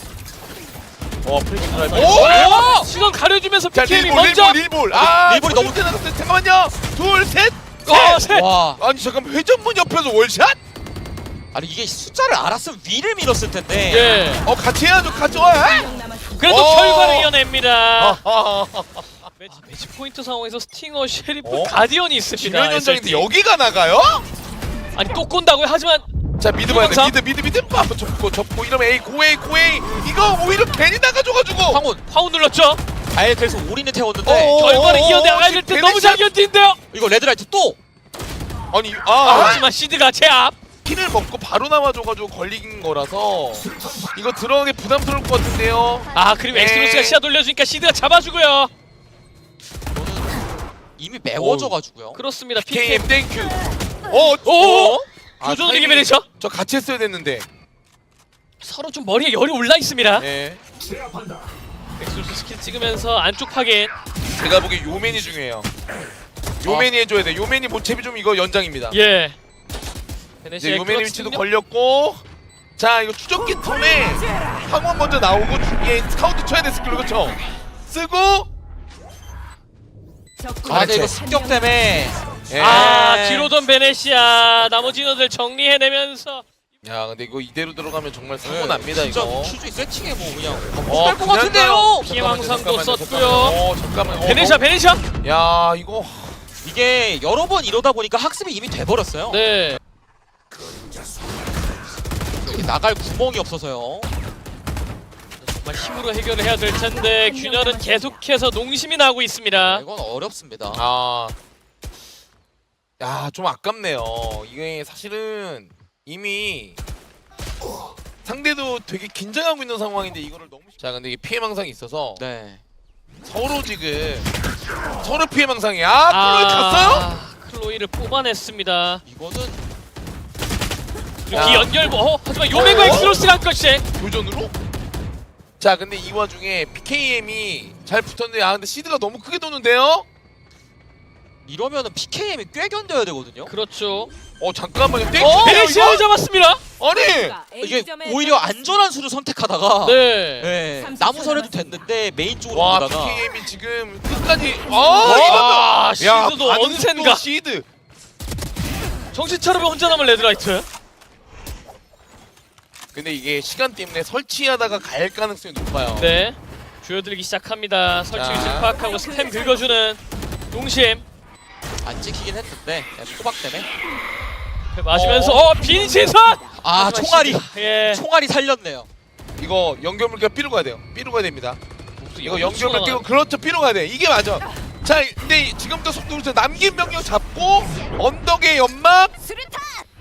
[SPEAKER 2] 어 프리킥 드라이브.
[SPEAKER 1] 오! 시선 가려주면서
[SPEAKER 2] 자
[SPEAKER 1] 피케이엠이
[SPEAKER 2] 릴볼
[SPEAKER 1] 먼저.
[SPEAKER 2] 릴볼 릴볼. 아
[SPEAKER 3] 릴볼이 너무-
[SPEAKER 2] 나갔어요. 잠깐만요. 둘 셋.
[SPEAKER 1] 어,
[SPEAKER 2] 셋.
[SPEAKER 1] 셋.
[SPEAKER 3] 와.
[SPEAKER 2] 아니 잠깐만 회전문 옆에서 월샷?
[SPEAKER 3] 아니 이게 숫자를 알았으면 위를 밀었을 텐데.
[SPEAKER 1] 예.
[SPEAKER 2] 어 같이 해야죠. 같이 와.
[SPEAKER 4] 한명 남았습니다.
[SPEAKER 1] 그래도
[SPEAKER 2] 오!
[SPEAKER 1] 결과를 이어냅니다.
[SPEAKER 2] 아,
[SPEAKER 1] 매치, 매치 포인트 상황에서 스팅어, 셰리프,
[SPEAKER 2] 어?
[SPEAKER 1] 가디언이 있습니다.
[SPEAKER 2] 김현 현장인데
[SPEAKER 1] 에스엘티.
[SPEAKER 2] 여기가 나가요?
[SPEAKER 1] 아니 또 꼰다고요? 하지만
[SPEAKER 2] 자 미드 봐야 돼.
[SPEAKER 1] 이광사?
[SPEAKER 2] 미드 미드 미드 빠 접고 접고 이러면 A 고A 고A 이거 오히려 괜히 나가줘가지고.
[SPEAKER 3] 황혼.
[SPEAKER 1] 파운 눌렀죠?
[SPEAKER 3] 아예 그래서 올인을 태웠는데
[SPEAKER 2] 어.
[SPEAKER 1] 결과를
[SPEAKER 2] 어,
[SPEAKER 1] 이어내야
[SPEAKER 2] 어,
[SPEAKER 1] 될 때
[SPEAKER 2] 베네시아-
[SPEAKER 1] 너무 잘 견딘데요?
[SPEAKER 3] 이거 레드라이트 또.
[SPEAKER 2] 아니
[SPEAKER 1] 아,
[SPEAKER 2] 아
[SPEAKER 1] 하지만 시드가 제 앞.
[SPEAKER 2] 키를 먹고 바로 나와줘가지고 걸린 거라서 이거 들어가기 부담스러울 것 같은데요.
[SPEAKER 1] 아 그리고
[SPEAKER 2] 네.
[SPEAKER 1] 엑스로스가 시야 돌려주니까 시드가 잡아주고요.
[SPEAKER 3] 이미 매워져가지고요.
[SPEAKER 1] 그렇습니다. 피케이엠
[SPEAKER 2] 케이엠 땡큐. 어,
[SPEAKER 1] 오!
[SPEAKER 2] 어? 아,
[SPEAKER 1] 교전을
[SPEAKER 2] 타이밍-
[SPEAKER 1] 이기면서
[SPEAKER 2] 저 같이 했어야 됐는데.
[SPEAKER 1] 서로 좀 머리에 열이 올라 있습니다.
[SPEAKER 2] 네.
[SPEAKER 1] 엑스로스 스킬 찍으면서 안쪽 확인.
[SPEAKER 2] 제가 보기에 요맨이 중요해요. 요맨이 해줘야 돼. 요맨이 모체비 좀 이거 연장입니다.
[SPEAKER 1] 예.
[SPEAKER 2] 이제
[SPEAKER 1] 베네시아의
[SPEAKER 2] 요맨의
[SPEAKER 1] 클러치
[SPEAKER 2] 위치도
[SPEAKER 1] 능력?
[SPEAKER 2] 걸렸고. 자 이거 추적기 턴에 황원 먼저 나오고 예, 스카우트 쳐야 돼 스킬로 그쵸? 쓰고
[SPEAKER 4] 적군이
[SPEAKER 3] 아 근데 이거
[SPEAKER 2] 그렇지.
[SPEAKER 3] 습격 때문에.
[SPEAKER 2] 예.
[SPEAKER 1] 아 뒤로 돈 베네시아 나머지 인원들 정리해내면서
[SPEAKER 2] 야 근데 이거 이대로 들어가면 정말 사고
[SPEAKER 3] 네,
[SPEAKER 2] 납니다
[SPEAKER 3] 진짜
[SPEAKER 2] 이거.
[SPEAKER 3] 큐즈이 세팅에 뭐 그냥
[SPEAKER 2] 어,
[SPEAKER 3] 못할 것
[SPEAKER 2] 그냥
[SPEAKER 3] 같은데요.
[SPEAKER 2] 가요.
[SPEAKER 1] 피해
[SPEAKER 2] 잠깐만요,
[SPEAKER 1] 망상도
[SPEAKER 2] 잠깐만요,
[SPEAKER 1] 썼고요.
[SPEAKER 2] 잠깐만요. 어 잠깐만. 어,
[SPEAKER 1] 베네시아 베네시아.
[SPEAKER 2] 어. 야 이거
[SPEAKER 3] 이게 여러 번 이러다 보니까 학습이 이미 돼버렸어요.
[SPEAKER 1] 네.
[SPEAKER 3] 나갈 구멍이 없어서요.
[SPEAKER 1] 정말 힘으로 해결을 해야 될 텐데 균열은 계속해서 농심이 나고 있습니다.
[SPEAKER 3] 이건 어렵습니다.
[SPEAKER 2] 아, 야, 좀 아깝네요. 이게 사실은 이미 상대도 되게 긴장하고 있는 상황인데 이거를 너무 자, 근데 이게 피해망상이 있어서
[SPEAKER 3] 네.
[SPEAKER 2] 서로 지금 서로 피해망상이야. 아, 클로이 갔어요?
[SPEAKER 1] 클로이를 뽑아냈습니다.
[SPEAKER 3] 이거는
[SPEAKER 1] 그리고
[SPEAKER 2] 야.
[SPEAKER 1] 이 연결 뭐 어, 하지만 요맹과
[SPEAKER 2] 어?
[SPEAKER 1] 엑스로스가 한 컷씩.
[SPEAKER 2] 교전으로? 자, 근데 이 와중에 피케이엠이 잘 붙었는데 아 근데 시드가 너무 크게 도는데요?
[SPEAKER 3] 이러면은 피케이엠이 꽤 견뎌야 되거든요.
[SPEAKER 1] 그렇죠.
[SPEAKER 2] 어 잠깐만요. 땡
[SPEAKER 1] 어,
[SPEAKER 2] 이거?
[SPEAKER 1] 베시아를 잡았습니다.
[SPEAKER 2] 아니!
[SPEAKER 3] 이게 오히려 안전한 수를 선택하다가
[SPEAKER 1] 네.
[SPEAKER 3] 네,
[SPEAKER 4] 삼십
[SPEAKER 3] 나무설 해도
[SPEAKER 4] 초
[SPEAKER 3] 됐는데 메인 쪽으로
[SPEAKER 2] 와,
[SPEAKER 3] 보다가
[SPEAKER 2] 피케이엠이 지금 끝까지 아,
[SPEAKER 1] 와,
[SPEAKER 2] 이러면 야,
[SPEAKER 1] 시드도
[SPEAKER 2] 반응도
[SPEAKER 1] 언젠가.
[SPEAKER 2] 시드.
[SPEAKER 1] 정신 차려면 혼자 남은 레드라이트.
[SPEAKER 2] 근데 이게 시간 때문에 설치하다가 갈 가능성이 높아요.
[SPEAKER 1] 네. 조여들기 시작합니다. 설치
[SPEAKER 2] 자.
[SPEAKER 1] 위치 파악하고 스템 긁어주는 농심.
[SPEAKER 3] 안 찍히긴 했는데 네, 포박 때문에
[SPEAKER 1] 맞으면서
[SPEAKER 2] 어.
[SPEAKER 1] 어, 빈 시선.
[SPEAKER 3] 아 총알이
[SPEAKER 1] 예.
[SPEAKER 3] 총알이 살렸네요.
[SPEAKER 2] 이거 연결물기가 삐로 가야 돼요. 삐로 가야 됩니다. 이거
[SPEAKER 1] 이거
[SPEAKER 2] 연결물 끼고 그렇죠. 삐로 가야 돼. 이게 맞아. 자, 근데 지금부터 속도를 남긴 병력 잡고 언덕의 연막.
[SPEAKER 4] 수류탄.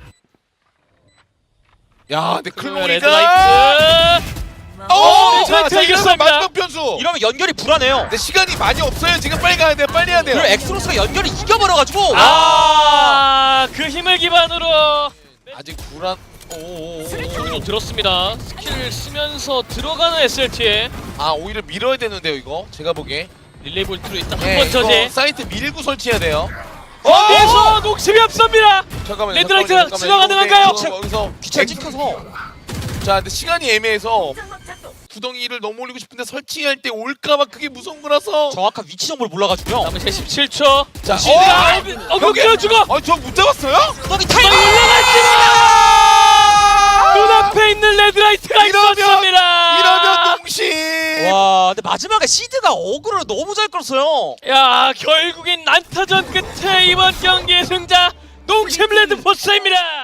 [SPEAKER 2] 야, 근데
[SPEAKER 1] 클로이가
[SPEAKER 2] 클로이가
[SPEAKER 1] 레드라이트.
[SPEAKER 2] 어,
[SPEAKER 1] 어,
[SPEAKER 2] 자, 자,
[SPEAKER 1] 레드라이트
[SPEAKER 2] 이러면
[SPEAKER 1] 이겼습니다.
[SPEAKER 2] 마지막 변수.
[SPEAKER 3] 이러면 연결이 불안해요.
[SPEAKER 2] 근데 시간이 많이 없어요. 지금 빨리 가야 돼. 빨리 해야 돼요.
[SPEAKER 3] 그리고 엑스로스가 연결을 이겨버려가지고
[SPEAKER 1] 아, 그 힘을 기반으로
[SPEAKER 2] 아직 불안. 오.
[SPEAKER 1] 소리도 들었습니다. 스킬 쓰면서 들어가는 에스엘티에
[SPEAKER 2] 아, 오히려 밀어야 되는데요, 이거. 제가 보기에.
[SPEAKER 1] 릴레이 볼트로 일단
[SPEAKER 2] 네,
[SPEAKER 1] 한번
[SPEAKER 2] 이거
[SPEAKER 1] 저지.
[SPEAKER 2] 사이트 밀고 설치해야 돼요.
[SPEAKER 1] 여기서 녹심이 앞섭니다.
[SPEAKER 2] 잠깐만요.
[SPEAKER 1] 레드라이트가
[SPEAKER 2] 잠깐만요,
[SPEAKER 1] 지나가
[SPEAKER 2] 잠깐만요.
[SPEAKER 1] 가능한가요?
[SPEAKER 2] 이거 여기서
[SPEAKER 3] 귀차
[SPEAKER 2] 엑스-
[SPEAKER 3] 찍혀서
[SPEAKER 2] 자, 근데 시간이 애매해서 구덩이를 너무 올리고 싶은데 설치할 때 올까봐 그게 무서운 거라서.
[SPEAKER 3] 정확한 위치 정보를 몰라가지고요.
[SPEAKER 1] 남은 제 십칠 초.
[SPEAKER 2] 자,
[SPEAKER 1] 시드가
[SPEAKER 2] 어,
[SPEAKER 1] 어, 어, 죽어.
[SPEAKER 2] 아, 저 못 잡았어요?
[SPEAKER 3] 구덩이
[SPEAKER 1] 빨리
[SPEAKER 3] 타이밍!
[SPEAKER 1] 올라갔지만 눈앞에 있는 레드라이트가
[SPEAKER 2] 이러면-
[SPEAKER 1] 있었습니다.
[SPEAKER 2] 이러면 농심.
[SPEAKER 3] 와, 근데 마지막에 시드가 어그로를 너무 잘 끌었어요.
[SPEAKER 1] 야, 결국엔 난타전 끝에 이번 경기의 승자 농심 레드포스입니다.